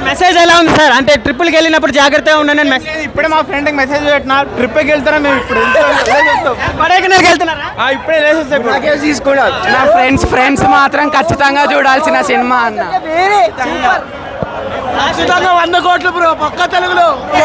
Message ఎలా ఉంది sir? అంటే ట్రిప్పులకి వెళ్ళినప్పుడు జాగ్రత్తగా ఉండండి మెసేజ్. ఇప్పుడే మా ఫ్రెండ్కి మెసేజ్ పెట్టినా ట్రిప్కి వెళ్తారా మేము ఇప్పుడు కొడైకెనాల్కి వెళ్తున్నారా? ఇప్పుడే లేసేస్తాం తీసుకున్నారు. నా ఫ్రెండ్స్ మాత్రం ఖచ్చితంగా చూడాల్సిన సినిమా అన్న. ఖచ్చితంగా 100 కోట్లు బ్రో, పక్క తెలుగులో.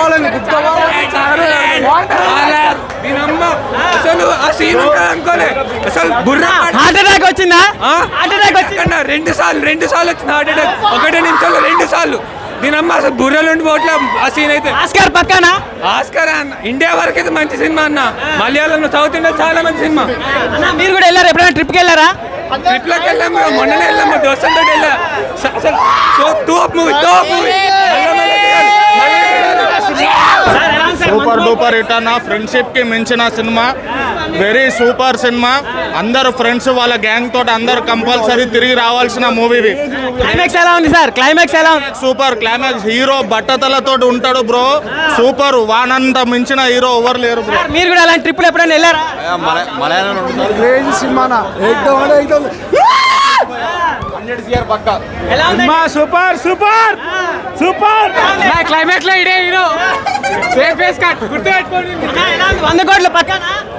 హార్ట్ అటాక్ వచ్చిందా? హార్ట్ అటాక్ వచ్చిందా? 2 సార్లు వచ్చింది హార్ట్ అటాక్. 1 నిమిషంలో 2 సార్లు. దీనమ్మ అసలు బుర్రలు ఉండి పోట్లే ఆ సీన్ అయితే. ఆస్కార్ పక్కన ఆస్కార్ అన్న ఇండియా వరకు అయితే మంచి సినిమా అన్న. మలయాళంలో సౌత్ ఇండియా చాలా మంచి సినిమా. మీరు కూడా వెళ్ళారు? ఎప్పుడైనా ట్రిప్కి వెళ్ళారా? ట్రిప్లోకి వెళ్ళాము, మొన్ననే వెళ్ళాము, దోస్తులతో వెళ్ళా. అసలు top movie. Super duper hit అన్న. ఫ్రెండ్షిప్ కి మించిన సినిమా, వెరీ సూపర్ సినిమా. అందరు ఫ్రెండ్స్ వాళ్ళ గ్యాంగ్ తోటి అందరు కంపల్సరీ తిరిగి రావాల్సిన మూవీ. క్లైమాక్స్ ఎలా ఉంది సార్? క్లైమాక్స్ ఎలా ఉంది? Super climax. హీరో బట్టతలతో ఉంటాడు బ్రో, సూపర్. వానంత మించిన హీరో ఎవరు లేరు బ్రో. మీరు కూడా అలాంటి ట్రిప్పులు ఎప్పుడైనా వెళ్ళారా? Super super super. క్లైమాక్స్ లో ఇడే హీరో సేమ్ ఫేస్ కట్ గుర్తుపెట్టుకోండి. 100 కోట్ల పక్కన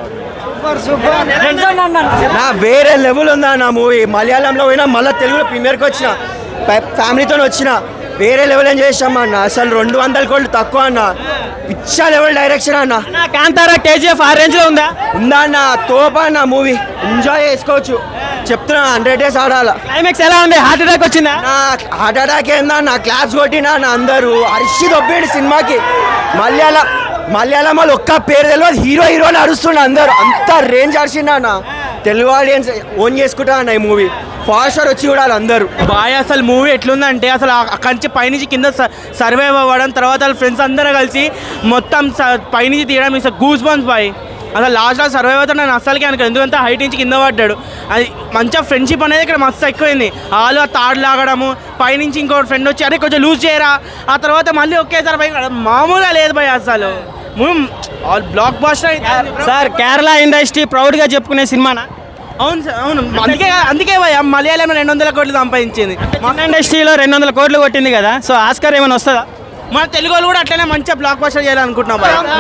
నా వేరే లెవెల్ ఉందా నా మూవీ. మలయాళంలో పోయినా మళ్ళీ తెలుగులో ప్రీమియర్కి వచ్చిన, ఫ్యామిలీతో వచ్చిన. వేరే లెవెల్ ఏం చేసాం అన్న. అసలు 200 కోట్లు తక్కువ అన్న. పిచ్చా లెవెల్ డైరెక్షన్ అన్న. కాంతారా KGF ఆ రేంజ్ లో ఉందా? ఉందా అన్న. తోపా అన్న మూవీ. ఎంజాయ్ చేసుకోవచ్చు చెప్తున్నా. 100 days ఆడాల. క్లైమాక్స్ ఎలా ఉంది? హార్ట్ అటాక్ వచ్చిందా? నా హార్ట్ అటాక్ ఏందా నా క్లాప్స్ కొట్టినా నా అందరూ అరిసి దొబ్బేడు సినిమాకి. మలయాళం వాళ్ళు ఒక్క పేరు తెలియదు, హీరో అని అరుస్తుండ అందరు. అంత రేంజ్ అరిసిండా అన్న. తెలుగు ఆడియన్స్ ఓన్ చేసుకుంటా అన్న ఈ మూవీ. ఫాస్టర్ వచ్చి చూడాలి అందరూ. బాయ్ అసలు మూవీ ఎట్లుందంటే అసలు అక్కడి నుంచి పైనుంచి కింద సర్వైవ్ అవ్వడం, తర్వాత వాళ్ళ ఫ్రెండ్స్ అందరూ కలిసి మొత్తం పైనుంచి తీయడం ఇస్ గూస్ బంప్స్ బాయ్. అసలు లాస్ట్లో సర్వైవ్ అవుతాడు నేను అసలుకి అనుకో, ఎందుకంటే హైట్ నుంచి కింద పడ్డాడు. అది మంచిగా ఫ్రెండ్షిప్ అనేది ఇక్కడ మస్తు ఎక్కువైంది. వాళ్ళు ఆ తాడు లాగడము, పైనుంచి ఇంకోటి ఫ్రెండ్ వచ్చి అరే కొంచెం లూజ్ చేయరా, ఆ తర్వాత మళ్ళీ ఒకేసారి పై మామూలుగా లేదు భయ్ అసలు. Blockbuster sir. Kerala industry ప్రౌడ్గా చెప్పుకునే సినిమానా? అవును సార్, అవును. అందుకే భయ మలయాళంలో 200 కోట్లు సంపాదించింది. మన ఇండస్ట్రీలో 200 కోట్లు కొట్టింది కదా, సో ఆస్కార్ ఏమైనా వస్తుందా? మన తెలుగు వాళ్ళు కూడా అట్లనే మంచిగా బ్లాక్ బస్టర్ చేయాలనుకుంటున్నాం.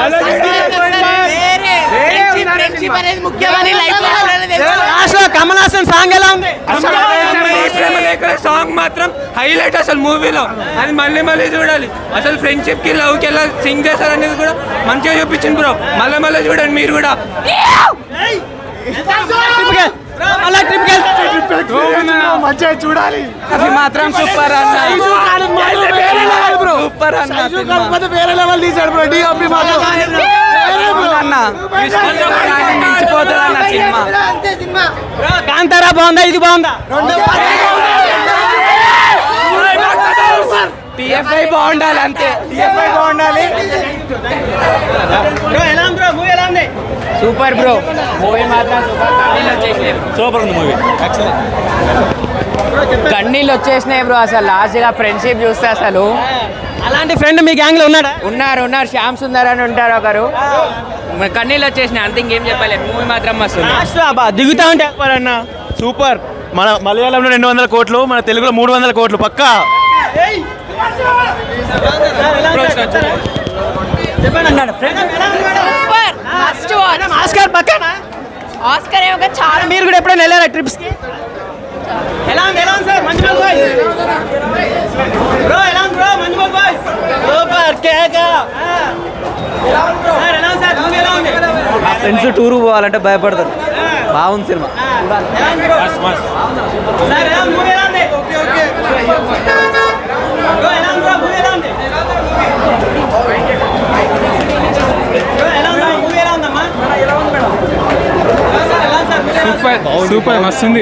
కమల్ హాసన్ సాంగ్ ఎలా ఉంది? సాంగ్ మాత్రం హైలైట్ అసలు మూవీలో. అది మళ్ళీ చూడాలి. అసలు ఫ్రెండ్షిప్ కి లవ్ కి ఎలా సింగ్ చేస్తారు అనేది కూడా మంచిగా చూపించింది బ్రో. మళ్ళీ చూడండి మీరు కూడా. మంచిగా చూడాలి. అది మాత్రం సూపర్ అన్న. సూపర్ అన్న. వేరే లెవెల్ తీసాడు బ్రో. డిఓపి మించిపోతుంది సినిమా. కాంతారా బాగుందా? ఇది బాగుందా? TFI బాగుండాలి అంతే. TFI బాగుండాలి. Super bro. మూవీ మాత్రం సూపర్ ఉంది. మూవీ కన్నీళ్ళు వచ్చేసినాయి బ్రో. అసలు లాస్ట్గా ఫ్రెండ్షిప్ చూస్తే అసలు. అలాంటి ఫ్రెండ్ మీ గ్యాంగ్ లో ఉన్నాడా? ఉన్నారు. శ్యామ్ సుందర్ అని ఉంటారు ఒకరు. కన్నీళ్ళు వచ్చేసినాయి అంతే, ఇంకేం చెప్పలేదు. మూవీ మాత్రం మస్తు దిగుతా ఉంటే అన్న సూపర్. మన మలయాళంలో 200 కోట్లు, మన తెలుగులో 300 కోట్లు పక్కా. ఆస్కార్ పక్కన ఆస్కార్ ఏమో చాలా. మీరు కూడా ఎప్పుడైనా వెళ్ళారా ట్రిప్స్ కి? ఎలా ఉంది సార్? మంజుమల్ బాయ్స్ బ్రో ఎలా ఉంది బ్రో? మంజుమల్ బాయ్స్ సూపర్ కేక. సార్ ఎలా ఉంది సార్? మూవీ ఎలా ఉంది? ఫ్రెండ్స్ టూర్ పోవాలంటే భయపడతారు. బాగుంది సినిమా. సార్ ఎలా మూవీ ఎలా ఉంది? ఓకే బ్రో ఎలా ఉంది బ్రో? మూవీ ఎలా ఉంది? సూపర్ మస్తుంది.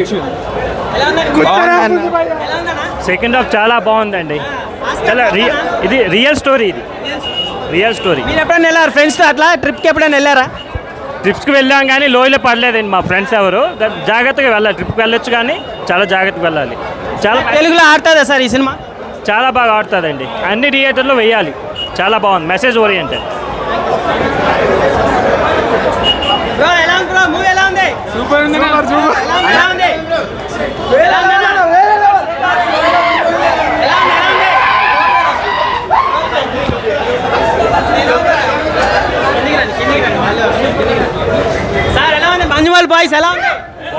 సెకండ్ హాఫ్ చాలా బాగుందండి. చాలా ఇది రియల్ స్టోరీ. మీరు ఎప్పుడైనా వెళ్ళారు ఫ్రెండ్స్తో అట్లా ట్రిప్కి? ఎప్పుడైనా వెళ్ళారా? ట్రిప్స్కి వెళ్ళాం కానీ లోయలో పడలేదండి మా ఫ్రెండ్స్ ఎవరు. జాగ్రత్తగా వెళ్ళాలి. ట్రిప్కి వెళ్ళొచ్చు కానీ చాలా జాగ్రత్తగా వెళ్ళాలి. చాలా తెలుగులో ఆడుతుందా సార్ ఈ సినిమా? చాలా బాగా ఆడుతుందండి. అన్ని థియేటర్లో వేయాలి. చాలా బాగుంది. Message oriented. సూపర్ ఉంది. మంజుమల్ బాయ్స్ ఎలా ఉంది?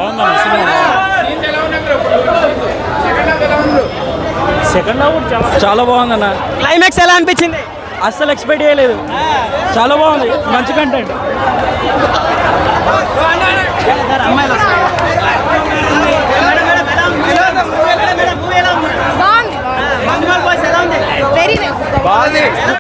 సెకండ్ హాఫ్ చాలా బాగుందన్న, క్లైమాక్స్ ఎలా అనిపించింది? అస్సలు ఎక్స్పెక్ట్ చేయలేదు. చాలా బాగుంది, మంచి కంటెంట్. బాగుంది వెరీ నైస్.